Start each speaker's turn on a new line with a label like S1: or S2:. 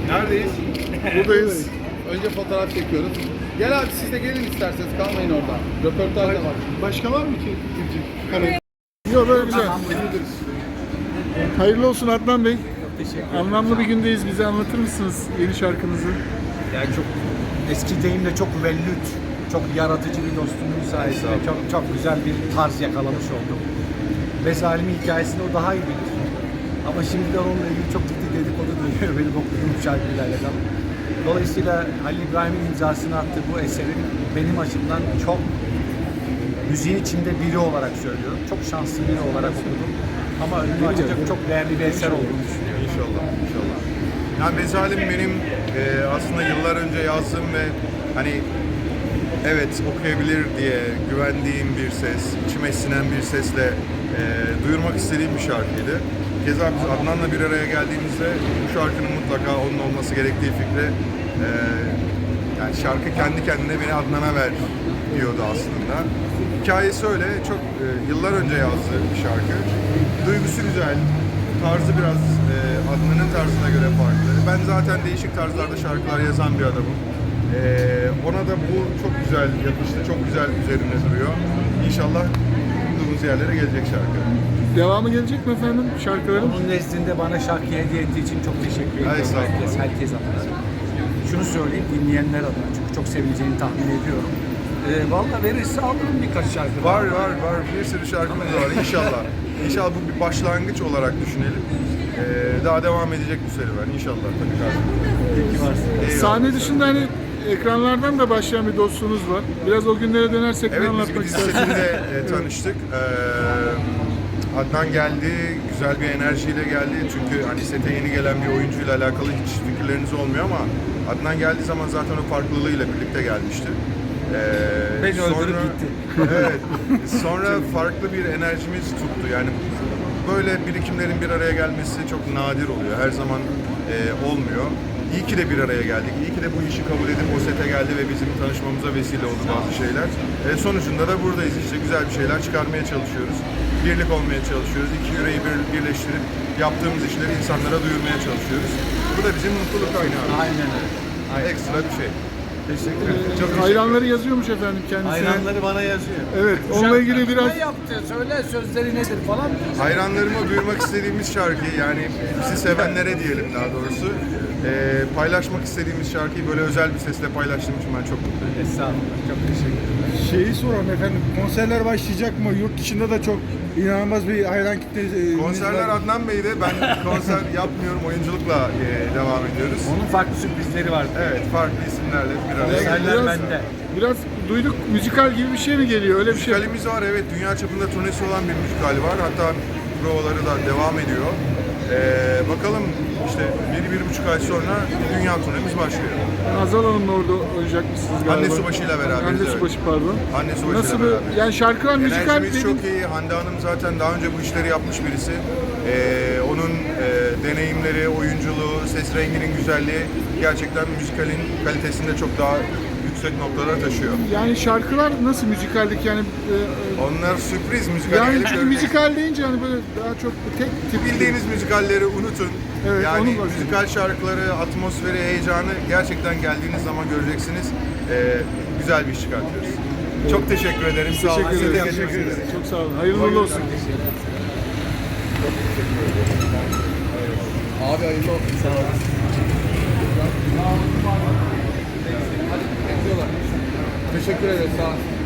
S1: Neredeyiz?
S2: Buradayız.
S1: Önce fotoğraf çekiyoruz. Gel abi siz de gelin isterseniz, kalmayın orada. Röportaj da var.
S2: Başka var mı ki? Yok, böyle güzel. Hayırlı olsun Adnan Bey. Anlamlı bir gündeyiz. Bize anlatır mısınız yeni şarkınızı?
S3: Yani çok eski deyimle çok müvellit, çok yaratıcı bir dostumun sayesinde çok güzel bir tarz yakalamış oldum. Ve Zalim'in hikayesini o daha iyi bilir. Ama şimdiden onunla ilgili çok ciddi dedikodu dönüyor benim okuduğum şarkıyla alakalı. Dolayısıyla Halil İbrahim'in imzasını attığı bu eserin benim açımdan çok müziğin içinde biri olarak söylüyorum. Çok şanslı biri olarak okudum. Ama önümü açacak çok değerli bir eser olduğunu düşünüyorum.
S4: İnşallah, inşallah. Yani Mezalim benim aslında yıllar önce yazdığım ve hani evet okuyabilir diye güvendiğim bir ses, içime sinen bir sesle duyurmak istediğim bir şarkıydı. Keza biz Adnan'la bir araya geldiğimizde bu şarkının mutlaka onun olması gerektiği fikri yani şarkı kendi kendine beni Adnan'a ver diyordu aslında. Hikayesi öyle, çok yıllar önce yazdığı bir şarkı. Duygusu güzel, tarzı biraz Adnan'ın tarzına göre farklı. Ben zaten değişik tarzlarda şarkılar yazan bir adamım. Ona da bu çok güzel yakıştı, çok güzel üzerinde duruyor. İnşallah umduğumuz yerlere gelecek şarkı.
S2: Devamı gelecek mi efendim şarkıların?
S3: Onun nezdinde bana şarkı hediye ettiği için çok teşekkür ediyorum. Herkes adına. Şunu söyleyeyim dinleyenler adına çünkü çok sevileceğini tahmin ediyorum. Vallahi verirse alırım birkaç şarkı.
S4: Var. Bir sürü şarkımız var inşallah. İnşallah bu bir başlangıç olarak düşünelim. Daha devam edecek bu serüven inşallah tabii kardeşim.
S2: Sahne dışında hani ekranlardan da başlayan bir dostluğunuz var. Biraz o günlere dönersek
S4: Evet,
S2: ne
S4: biz
S2: anlatmak
S4: bir
S2: istersiniz?
S4: setinde tanıştık. Adnan geldi, güzel bir enerjiyle geldi. Çünkü hani sete yeni gelen bir oyuncuyla alakalı hiç fikirleriniz olmuyor ama Adnan geldiği zaman zaten o farklılığıyla birlikte gelmişti.
S3: Beni öldürüp gitti.
S4: Evet, sonra farklı bir enerjimiz tuttu. Yani böyle birikimlerin bir araya gelmesi çok nadir oluyor. Her zaman olmuyor. İyi ki de bir araya geldik. İyi ki de bu işi kabul edip o sete geldi ve bizim tanışmamıza vesile oldu bazı şeyler. Sonucunda da buradayız işte. Güzel bir şeyler çıkarmaya çalışıyoruz. Birlik olmaya çalışıyoruz. İki yüreği birleştirip yaptığımız işleri insanlara duyurmaya çalışıyoruz. Bu da bizim mutluluk kaynağı.
S3: Aynen öyle.
S4: Ekstra bir şey.
S3: Teşekkür ederim.
S4: Çok teşekkür
S2: Hayranları yazıyormuş efendim kendisine.
S3: Hayranları bana yazıyor.
S2: Evet, onunla ilgili biraz...
S3: Ne yaptı? Söyle sözleri nedir falan.
S4: Hayranlarıma duyurmak istediğimiz şarkı, yani bizi sevenlere diyelim daha doğrusu, paylaşmak istediğimiz şarkıyı böyle özel bir sesle paylaştığım için ben çok mutluyum.
S3: Estağfurullah. Çok teşekkür ederim.
S5: Şeyi soralım efendim, konserler başlayacak mı? Yurt dışında da çok inanılmaz bir hayran kitlesi.
S4: Konserler Adnan Bey'de, ben konser yapmıyorum, oyunculukla devam ediyoruz.
S3: Onun farklı sürprizleri var.
S4: Evet, farklı isimlerle bir araya
S3: Konserler
S4: geldik.
S3: bende.
S2: Biraz duyduk, müzikal gibi bir şey mi geliyor? Öyle bir şey.
S4: Müzikalimiz var, evet, dünya çapında turnesi olan bir müzikal var. Hatta provaları da devam ediyor. Bakalım işte 1-1,5 ay sonra dünya turnemiz başlıyor.
S2: Hazal Hanım'la orada oynayacakmışsınız galiba.
S4: Hande Subaşı'yla beraberiz.
S2: Hande
S4: evet.
S2: Subaşı pardon.
S4: Hande Subaşı'yla
S2: Nasıl bir,
S4: beraberiz.
S2: yani şarkılar müzikal
S4: Enerjimiz
S2: dedim.
S4: çok iyi. Hande Hanım zaten daha önce bu işleri yapmış birisi. Onun deneyimleri, oyunculuğu, ses renginin güzelliği gerçekten müzikalin kalitesinde çok daha yüksek noktalara taşıyor.
S2: Yani şarkılar nasıl müzikallik yani?
S4: Onlar sürpriz müzikal.
S2: Yani
S4: gelip
S2: çünkü
S4: görmek.
S2: müzikal deyince hani böyle daha çok tek tip.
S4: Bildiğiniz müzikalleri unutun.
S2: Evet,
S4: yani
S2: onu bahsediyorum.
S4: müzikal şarkıları, atmosferi, heyecanı gerçekten geldiğiniz zaman göreceksiniz. Güzel bir iş çıkartıyoruz. Çok teşekkür ederim. Sağ olun.
S2: Teşekkür
S4: Size de
S2: ederim.
S4: teşekkür ederim.
S2: Çok sağ olun. Hayırlı uğurlu olsun.
S1: Abi hayırlı olsun. Sağ olun. Teşekkür ederiz. Sağ olun.